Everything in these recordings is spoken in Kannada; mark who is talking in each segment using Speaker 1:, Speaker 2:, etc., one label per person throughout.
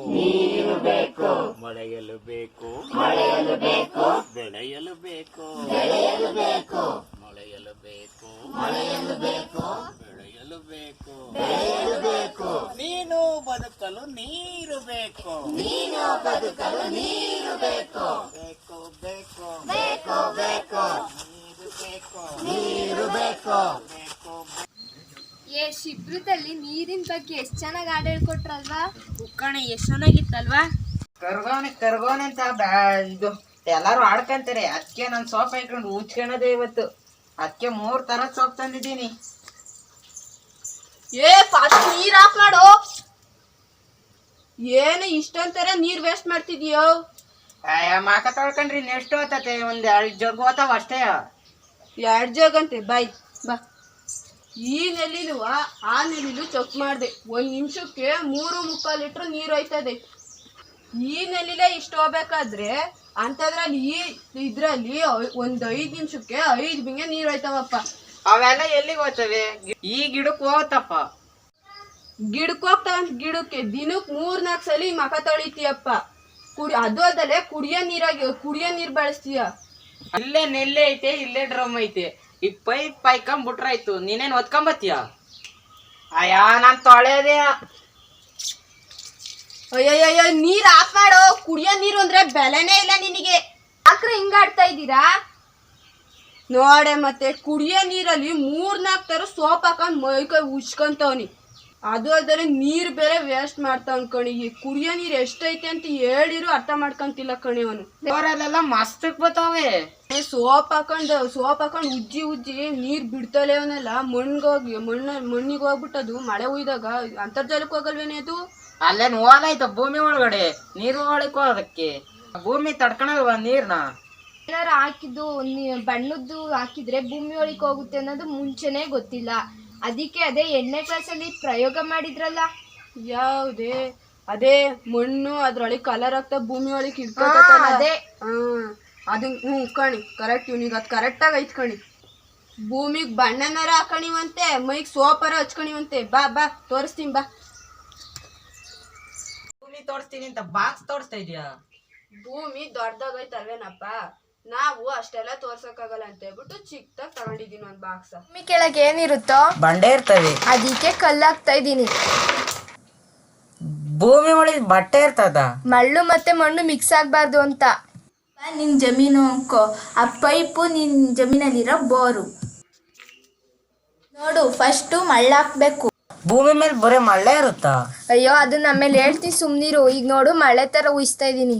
Speaker 1: ನೀರು ಬೇಕು.
Speaker 2: ಮೊಳೆಯಲು ಬೇಕು
Speaker 1: ಮೊಳೆಯಲು ಬೇಕು.
Speaker 2: ಬೆಳೆಯಲು ಬೇಕು
Speaker 1: ಬೆಳೆಯಲು ಬೇಕು.
Speaker 2: ಮೊಳೆಯಲು ಬೇಕು
Speaker 1: ಮೊಳೆಯಲು ಬೇಕು.
Speaker 2: ಬೆಳೆಯಲು ಬೇಕು
Speaker 1: ಬೆಳೆಯಲು ಬೇಕು.
Speaker 2: ನೀನು ಬದುಕಲು ನೀರು ಬೇಕು.
Speaker 1: ನೀನು ಬದುಕಲು ನೀರು ಬೇಕು.
Speaker 2: ಬೇಕು ಬೇಕು
Speaker 1: ಬೇಕು ಬೇಕು.
Speaker 2: ನೀರು ಬೇಕು
Speaker 1: ನೀರು ಬೇಕು.
Speaker 2: ಬೇಕು.
Speaker 3: ಏ ಶಿಬ್ರದಲ್ಲಿ ನೀರಿನ ಬಗ್ಗೆ ಎಷ್ಟು ಚೆನ್ನಾಗಿ ಹಾಡು ಹೇಳ್ಕೊಟ್ರಲ್ವಾ?
Speaker 4: ಉಕ್ಕಣ ಎಷ್ಟು ಚೆನ್ನಾಗಿತ್ತಲ್ವಾ?
Speaker 5: ಕರ್ಗೋನೆ ಅಂತ ಇದು ಎಲ್ಲಾರು ಆಡ್ಕಂತಾರೆ. ಅದಕ್ಕೆ ನಾನು ಸೋಪ್ ಹಾಕೊಂಡು ಉಚ್ಕೊಳೋದೇ ಇವತ್ತು. ಅದಕ್ಕೆ 3 ತರ ಸೋಪ್ ತಂದಿದ್ದೀನಿ.
Speaker 4: ಏ ಫಸ್ಟ್ ನೀರ್ ಆಫ್ ಮಾಡು. ಏನು ಇಷ್ಟೊಂತರ ನೀರ್ ವೇಸ್ಟ್ ಮಾಡ್ತಿದ್ಯೋ?
Speaker 5: ಮಾಕ ತೊಳ್ಕೊಂಡ್ರಿ ನೆಕ್ಸ್ಟ್ ಹೋತತೆ. 1-2 ಜಗ್ ಹೋತಾವ ಅಷ್ಟೇ.
Speaker 4: 2 ಜಗ್ ಅಂತೆ ಬಾಯ್ ಬಾ. ಈ ನೆಲ್ಲಿಲು ಆ ನೆಲ್ಲಿಲು ಚೆಕ್ ಮಾಡಿದೆ. 1 ನಿಮಿಷಕ್ಕೆ 3.25 ಲೀಟ್ರ್ ನೀರು ಹೋಯ್ತದೆ. ಈ ನೆಲ್ಲಿಲೇ ಇಷ್ಟು ಹೋಗ್ಬೇಕಾದ್ರೆ ಅಂತದ್ರಲ್ಲಿ ಇದ್ರಲ್ಲಿ 1 5 ನಿಮಿಷಕ್ಕೆ 5 ಬಿಂಗೆ ನೀರು ಹೋಯ್ತಾವಪ್ಪ.
Speaker 5: ಅವೆಲ್ಲ ಎಲ್ಲಿಗೆ ಹೋಗ್ತವೆ? ಈ ಗಿಡಕ್ಕೆ ಹೋಗತ್ತಪ್ಪ.
Speaker 4: ಗಿಡಕ್ಕೆ ಹೋಗ್ತಾವಂತ ಗಿಡಕ್ಕೆ ದಿನಕ್ಕೆ 3-4 ಸಲ ಮಖ ತೊಳಿತೀಯಪ್ಪ. ಅದು ಅಲ್ಲದೆ ಕುಡಿಯೋ ನೀರು ಬಳಸ್ತೀಯ.
Speaker 5: ಇಲ್ಲೇ ನೆಲ್ಲೆ ಐತೆ, ಇಲ್ಲೇ ಡ್ರಮ್ ಐತೆ. ಈ ಪೈಪ್ ಪಾಯ್ಕೊಂಬಿಟ್ರಾಯ್ತು. ನೀನೇನ್ ಒತ್ಕೊಂಬತ್ತೀಯ? ಅಯ್ಯ ನಾನ್ ತೊಳೆದೇ.
Speaker 4: ಅಯ್ಯಯ್ಯೋ ನೀರ್ ಆಫ್ ಮಾಡು. ಕುಡಿಯೋ ನೀರು ಅಂದ್ರೆ ಬೆಲೆನೇ ಇಲ್ಲ ನಿನಗೆ.
Speaker 3: ಯಾಕ್ರೆ ಹಿಂಗಾಡ್ತಾ ಇದ್ದೀರಾ?
Speaker 4: ನೋಡೆ ಮತ್ತೆ ಕುಡಿಯೋ ನೀರಲ್ಲಿ 3-4 ತರ ಸೋಪ್ ಹಾಕೊಂಡ್ ಮೈಕೈ ಉಚ್ಕೊಂತವನಿ. ಅದು ಅಲ್ಲದೆ ನೀರ್ ಬೇರೆ ವೇಸ್ಟ್ ಮಾಡ್ತಾವ್ ಕಣಿ. ಈ ಕುಡಿಯೋ ನೀರ್ ಎಷ್ಟೈತೆ ಅಂತ ಹೇಳಿರು ಅರ್ಥ ಮಾಡ್ಕೊಂತಿಲ್ಲ ಕಣಿ ಅವನು.
Speaker 5: ಅವರೆಲ್ಲ ಮಸ್ತಕ್ ಬತ್ತಾವೆ.
Speaker 4: ಸೋಪ್ ಹಾಕೊಂಡ್ ಉಜ್ಜಿ ನೀರ್ ಬಿಡ್ತಲೇ ಅವನೆಲ್ಲ ಮಣ್ಣಿಗೆ ಹೋಗ್ಬಿಟ್ಟದು. ಮಳೆ ಹುಯ್ದಾಗ ಅಂತರ್ಜಲಕ್ಕೆ ಹೋಗಲ್ವೇನೆ ಅದು?
Speaker 5: ಅಲ್ಲೇನ್ ಹೋಲಾಯ್ತು ಭೂಮಿ ಒಳಗಡೆ ನೀರು ಒಳಗೆ ಹೋಗೋದಕ್ಕೆ. ಭೂಮಿ ತಡ್ಕೊಳಲ್ವಾ ನೀರ್ನ?
Speaker 3: ಏನಾರ ಹಾಕಿದ್ದು ಬಣ್ಣದ್ದು ಹಾಕಿದ್ರೆ ಭೂಮಿ ಒಳಗೆ ಹೋಗುತ್ತೆ ಅನ್ನೋದು ಮುಂಚೆನೆ ಗೊತ್ತಿಲ್ಲ. ಅದಕ್ಕೆ ಅದೇ 8ನೇ ಕ್ಲಾಸಲ್ಲಿ ಪ್ರಯೋಗ ಮಾಡಿದ್ರಲ್ಲ.
Speaker 4: ಯಾವ್ದೇ ಅದೇ ಮಣ್ಣು ಅದ್ರೊಳಗೆ ಕಲರ್ ಆಗ್ತಾ ಭೂಮಿ ಒಳಗೆ ಇಡ್ಕೊ
Speaker 3: ಅದೇ
Speaker 4: ಅದು ಕಣಿ ಕರೆಕ್ಟ್. ಇವ್ನಿಗೆ ಅದು ಕರೆಕ್ಟಾಗಿ ಐತ್ ಕಣಿ. ಭೂಮಿಗೆ ಬಣ್ಣನಾರ ಹಾಕಣಿವಂತೆ, ಮೈಗೆ ಸೋಪಾರ ಹಚ್ಕಣಿವಂತೆ. ಬಾ ತೋರಿಸ್ತೀನಿ ಬಾ.
Speaker 5: ಭೂಮಿ ತೋರಿಸ್ತೀನಿ ಅಂತ ಬಾಕ್ಸ್ ತೋರಿಸ್ತಾ ಇದೀಯಾ?
Speaker 4: ಭೂಮಿ ದೊಡ್ಡದಾಗೈತಲ್ವೇನಪ್ಪ, ನಾವು ಅಷ್ಟೆಲ್ಲ ತೋರ್ಸಕ್ಕಾಗಲ್ಲ ಅಂತ ಹೇಳ್ಬಿಟ್ಟು ಚಿಕ್ಕದಾಗಿ ತಗೊಂಡಿದೀನಿ ಒಂದು ಬಾಕ್ಸ.
Speaker 3: ಭೂಮಿ ಕೆಳಗೆ ಏನಿರುತ್ತೋ
Speaker 5: ಬಂಡೆ ಇರ್ತವೆ.
Speaker 3: ಅದಕ್ಕೆ ಕಲ್ಲಾಕ್ತಾ ಇದ್ದೀನಿ.
Speaker 5: ಭೂಮಿ ಒಳಗೆ ಬಟ್ಟೆ ಇರ್ತದ.
Speaker 3: ಮಳ್ಳು ಮತ್ತೆ ಮಣ್ಣು ಮಿಕ್ಸ್ ಆಗಬಾರ್ದು ಅಂತ.
Speaker 6: ನಿನ್ ಜಮೀನು ಅನ್ಕೋ, ಆ ಪೈಪು ನಿನ್ ಜಮೀನಲ್ಲಿರೋ ಬೋರು. ನೋಡು, ಫಸ್ಟು ಮಳ್ಳಾಕ್ಬೇಕು.
Speaker 5: ಭೂಮಿ ಮೇಲೆ ಬರೀ ಮಳ್ಳೆ ಇರುತ್ತಾ?
Speaker 3: ಅಯ್ಯೋ ಅದನ್ನ ಆಮೇಲೆ ಹೇಳ್ತೀನಿ, ಸುಮ್ನಿರು. ಈಗ ನೋಡು ಮಳೆ ತರ ಉಯಿಸ್ತಾ ಇದ್ದೀನಿ.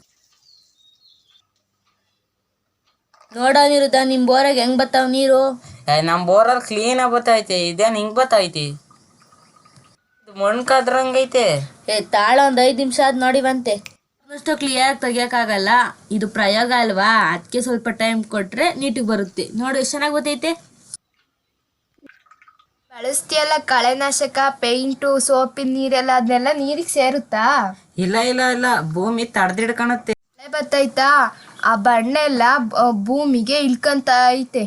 Speaker 6: ನೋಡೋನಿರುತ್ತ ನಿಮ್ ಬೋರಾಗ ಹೆಂಗ್ ಬರ್ತಾವ ನೀರು?
Speaker 5: ನಮ್ ಬೋರಲ್ಲಿ ಕ್ಲೀನ್ ಆಗಿ ಬತ್ತೈತೆ. ಇದೇನ್ ಹಿಂಗ್ ಬತ್ತೈತಿ? ಮಣ್ಣು ಕದ್ರಂಗೈತೆ.
Speaker 6: ತಾಳ ಒಂದ್ 5 ನಿಮಿಷ ಆದ್ ನೋಡಿವಂತೆ. ಅಷ್ಟು ಕ್ಲಿಯರ್ ತೆಗಿಯಕ್ಕಾಗಲ್ಲ, ಇದು ಪ್ರಯೋಗ ಅಲ್ವಾ, ಅದಕ್ಕೆ ಸ್ವಲ್ಪ ಟೈಮ್ ಕೊಟ್ರೆ ನೀಟಿಗೆ ಬರುತ್ತೆ. ನೋಡು ಎಷ್ಟು ಚೆನ್ನಾಗಿ ಗೊತ್ತೈತೆ.
Speaker 3: ಬಳಸ್ತೀಯಲ್ಲ ಕಳೆನಾಶಕ, ಪೇಂಟು, ಸೋಪಿನ ನೀರೆಲ್ಲ, ಅದನ್ನೆಲ್ಲ ನೀರಿಗೆ ಸೇರುತ್ತಾ?
Speaker 5: ಇಲ್ಲ ಭೂಮಿ ತಡೆದಿಡ್ಕಣತ್ತೆ.
Speaker 3: ಮಳೆ ಬತ್ತೈತಾ, ಆ ಬಣ್ಣ ಎಲ್ಲ ಭೂಮಿಗೆ ಇಳ್ಕಂತ ಐತೆ.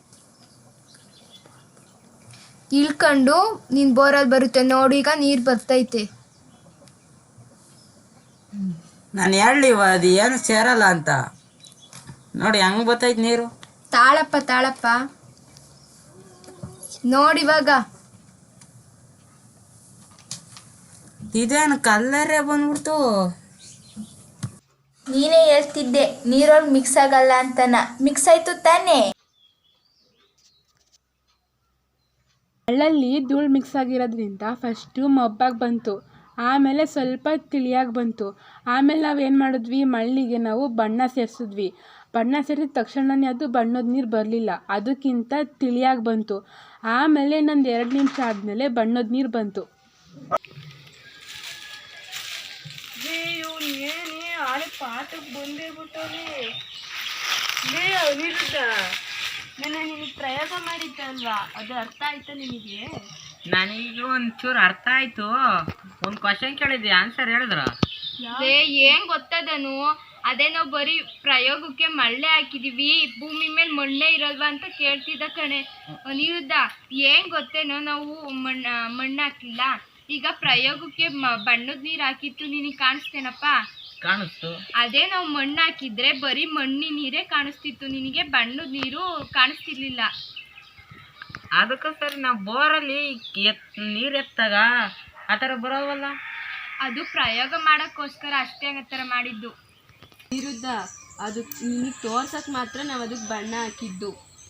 Speaker 3: ಇಳ್ಕೊಂಡು ನಿನ್ ಬೋರಲ್ಲಿ ಬರುತ್ತೆ ನೋಡು. ಈಗ ನೀರು ಬರ್ತೈತೆ.
Speaker 5: ನಾನು ಹೇಳಿವ ಅದು ಏನು ಸೇರಲ್ಲ ಅಂತ. ನೋಡಿ ಹೆಂಗ್ ಬತ್ತೈತೆ ನೀರು.
Speaker 3: ತಾಳಪ್ಪ ನೋಡಿವಾಗ.
Speaker 5: ಇದೇನು ಕಲ್ಲರೇ ಬಂದ್ಬಿಡ್ತು.
Speaker 6: ನೀನೇ ಹೇಳ್ತಿದ್ದೆ ನೀರೊಳಗೆ ಮಿಕ್ಸ್ ಆಗಲ್ಲ ಅಂತನ. ಮಿಕ್ಸ್ ಆಯ್ತು ತಾನೇ?
Speaker 7: ಮಣ್ಣಲ್ಲಿ ಧೂಳು ಮಿಕ್ಸ್ ಆಗಿರೋದ್ರಿಂದ ಫಸ್ಟು ಮಬ್ಬಾಗಿ ಬಂತು, ಆಮೇಲೆ ಸ್ವಲ್ಪ ತಿಳಿಯಾಗಿ ಬಂತು. ಆಮೇಲೆ ನಾವೇನು ಮಾಡಿದ್ವಿ, ಮಳ್ಳಿಗೆ ನಾವು ಬಣ್ಣ ಸೇರಿಸಿದ್ವಿ. ಬಣ್ಣ ಸೇರಿದ ತಕ್ಷಣನೇ ಅದು ಬಣ್ಣದ ನೀರು ಬರಲಿಲ್ಲ, ಅದಕ್ಕಿಂತ ತಿಳಿಯಾಗಿ ಬಂತು. ಆಮೇಲೆ ಇನ್ನೊಂದು 2 ನಿಮಿಷ ಆದಮೇಲೆ ಬಣ್ಣದ ನೀರು ಬಂತು.
Speaker 4: ಪಾಠಕ್ಕೆ ಬಂದೇ ಬಿಟ್ಟವ್ರಿ. ನಿನಗೆ ಪ್ರಯೋಗ ಮಾಡಿದ್ದೆ ಅಲ್ವಾ, ಅದು ಅರ್ಥ ಆಯ್ತಾ ನಿನಗೆ?
Speaker 5: ನನಗೆ ಒಂಚೂರು ಅರ್ಥ ಆಯ್ತು. ಒಂದು ಕ್ವಶನ್ ಕೇಳಿದ್ದೆ, ಆನ್ಸರ್ ಹೇಳಿದ್ರ?
Speaker 3: ಏನ್ ಗೊತ್ತದನು, ಅದೇ ನಾವು ಬರೀ ಪ್ರಯೋಗಕ್ಕೆ ಮಳ್ಳೆ ಹಾಕಿದೀವಿ, ಭೂಮಿ ಮೇಲೆ ಮಣ್ಣೆ ಇರಲ್ವಾ ಅಂತ ಕೇಳ್ತಿದ್ದ ಕಣೆ. ಅನಿರುದ್ಧ, ಏನ್ ಗೊತ್ತೇನೋ, ನಾವು ಮಣ್ಣು ಹಾಕಿಲ್ಲ, ಈಗ ಪ್ರಯೋಗಕ್ಕೆ ಬಣ್ಣದ ನೀರು ಹಾಕಿತ್ತು ನಿನಗೆ ಕಾಣಿಸ್ತೇನಪ್ಪ?
Speaker 5: ಕಾಣಿಸ್ತು.
Speaker 3: ಅದೇ ನಾವು ಮಣ್ಣು ಹಾಕಿದ್ರೆ ಬರೀ ಮಣ್ಣಿನ ನೀರೇ ಕಾಣಿಸ್ತಿತ್ತು, ನಿನಗೆ ಬಣ್ಣದ ನೀರು ಕಾಣಿಸ್ತಿರ್ಲಿಲ್ಲ.
Speaker 5: ಅದಕ್ಕೋಸ್ಕರ ನಾವು ಬೋರಲ್ಲಿ ನೀರು ಎತ್ತಾಗ ಆ ಥರ ಬರೋವಲ್ಲ.
Speaker 3: ಅದು ಪ್ರಯೋಗ ಮಾಡೋಕ್ಕೋಸ್ಕರ ಅಷ್ಟೇ ಆ ಥರ ಮಾಡಿದ್ದು.
Speaker 4: ವಿರುದ್ಧ ಅದು ನಿನಗೆ ತೋರ್ಸಕ್ಕೆ ಮಾತ್ರ ನಾವು ಅದಕ್ಕೆ ಬಣ್ಣ ಹಾಕಿದ್ದು.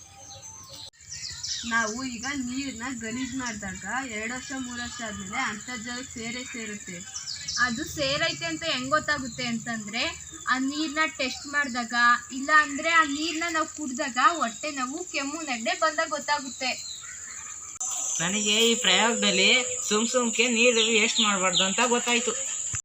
Speaker 4: ನಾವು ಈಗ ನೀರನ್ನ ಗಲೀಜು ಮಾಡಿದಾಗ 2 ವರ್ಷ 3 ವರ್ಷ ಆದಮೇಲೆ ಅಂತರ್ಜಲಕ್ಕೆ ಸೇರುತ್ತೆ.
Speaker 3: ಅದು ಸೇರೈತೆ ಅಂತ ಹೆಂಗೆ ಗೊತ್ತಾಗುತ್ತೆ ಅಂತಂದರೆ ಆ ನೀರನ್ನ ಟೆಸ್ಟ್ ಮಾಡಿದಾಗ, ಇಲ್ಲ ಅಂದರೆ ಆ ನೀರನ್ನ ನಾವು ಕುಡಿದಾಗ ಹೊಟ್ಟೆ ನೋವು, ಕೆಮ್ಮು, ನೆಗಡಿ ಬಂದಾಗ ಗೊತ್ತಾಗುತ್ತೆ.
Speaker 5: ನನಗೆ ಈ ಪ್ರಯೋಗದಲ್ಲಿ ಸುಮ್ಕೆ ನೀರು ವೇಸ್ಟ್ ಮಾಡಬಾರ್ದು ಅಂತ ಗೊತ್ತಾಯ್ತು.